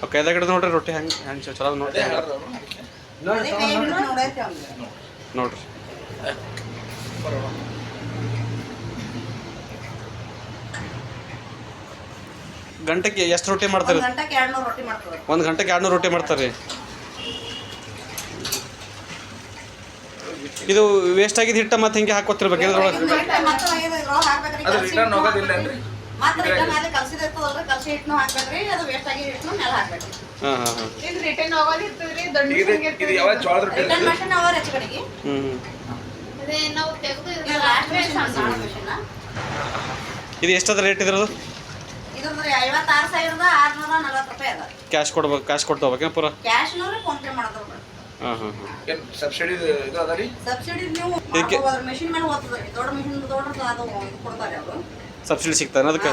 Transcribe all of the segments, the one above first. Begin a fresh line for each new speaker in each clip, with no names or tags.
ಕೈದಾಗ ಹಿಡಿದು ನೋಡ್ರಿ ರೊಟ್ಟಿ ಹೆಂಗೆ ಚಲೋ ನೋಡ್ರಿ ನೋಡ್ರಿ ಗಂಟೆಗೆ ಎಷ್ಟು ರೊಟ್ಟಿ ಮಾಡ್ತಾರೆ? 1 ಗಂಟೆಗೆ 200 ರೊಟ್ಟಿ ಮಾಡ್ತಾರೆ. ಇದು ವೇಸ್ಟ್ ಆಗಿದ್ದು ಹಿಟ್ಟ ಮತ್ತೆ ಹಿಂಗೆ ಹಾಕೋತಿರ್ಬೇಕು ಇದ್ರೊಳಗೆ. ಇದು ಎಷ್ಟದ ರೇಟ್ ಇದ್ರದ್ದು? ಕ್ಯಾಶ್ ಕೊಡ್ಬೇಕು, ಕ್ಯಾಶ್ ಕೊಟ್ಟು ಹೋಗ್ಬೇಕೇನು ಪೂರ? ಹಾಂ ಹಾಂ ಹಾಂ.
ಸಬ್ಸಿಡಿ
ಸಬ್ಸಿಡಿ ಸಿಗ್ತಾನೆ ಅದಕ್ಕೆ?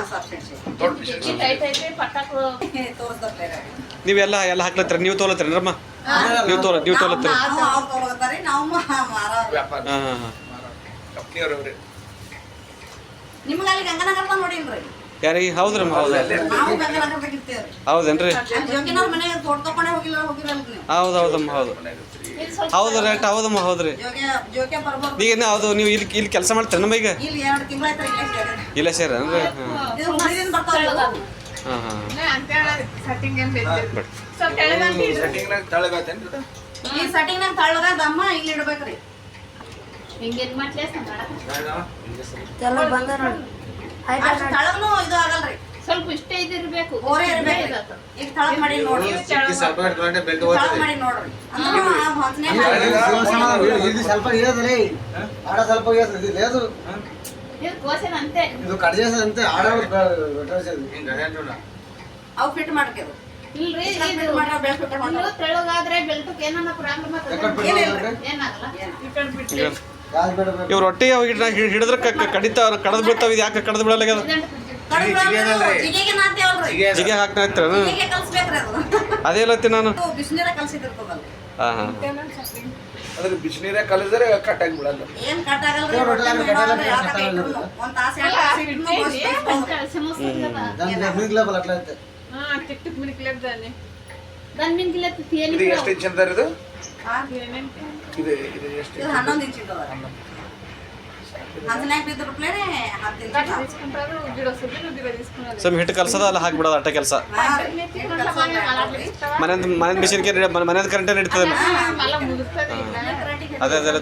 ನೀವೆಲ್ಲ ಹಾಕ್ಲತ್ತೀರ? ನೀವು ತೊಗೊಳತ್ತೀರ ರಮ್ಮ? ನೀವು ತೊಗೊಳತ್ತೀರ? ಹಾಂ ಹಾಂ ಹಾಂ. ಯಾರಿಗೆ? ಹೌದ್ರಿ ಹೌದೇನ್ರಿ? ಹೌದೌದಮ್ಮ ಹೌದು ಹೌದು ರೇಟ್ ಹೌದಮ್ಮ ಹೌದ್ರಿ. ಈಗ ಹೌದು ನೀವು ಇಲ್ಲಿ ಕೆಲಸ ಮಾಡ್ತೀರ ನಮ್ಮ ಈಗ? ಇಲ್ಲ ಸರ್ ಅಂದ್ರೆ ಹಾಂ ಹಾಂ
ಸ್ವಲ್ಪ ಇಷ್ಟೇ ಇದಿರ್ಬೇಕು. ತೆಳಗಾದ್ರೆ ಬೆಲ್ಟಕ್ಕೆ ಏನಾರ ಪ್ರಾಬ್ಲಮ್
ಇವ್ ರೊಟ್ಟಿ ಹಿಡಿದ್ರೆ ಕಡದ್ ಬೀಳ್ತಾವ. ಇದು ಯಾಕೆ ಕಡದ್ ಬೀಳಲ್ಲ? ಜಿಗೆ ಹಾಕ್ತಾ ಅದೇ ಹೇಳತ್ತಿ ನಾನು. ಹಾಂ ಹಾಂ
ಅದ್ರ ಬಿಸಿನೀರ ಕಲಿದ್ರೆ ಕಟ್ಟಾಗಿ ಬಿಡಲ್ಲ. ಇದು ಎಷ್ಟು ಇಂಚ್ ಅಂತಾರೆ? ಇದು ಎಷ್ಟು?
11 ಇಂಚ್.
ಸ್ವಲ್ಪ ಹಿಟ್ಟು ಕಲ್ಸದ ಅಲ್ಲ ಹಾಕ್ಬಿಡೋದು ಅಟ್ಟ ಕೆಲಸ. ಮನೆಯದು ಮಿಷಿನ್ಗೆ ಮನೆಯದು ಕರೆಂಟೇ ನಡೀತದಲ್ಲ? ಅದೇ ಅದೇ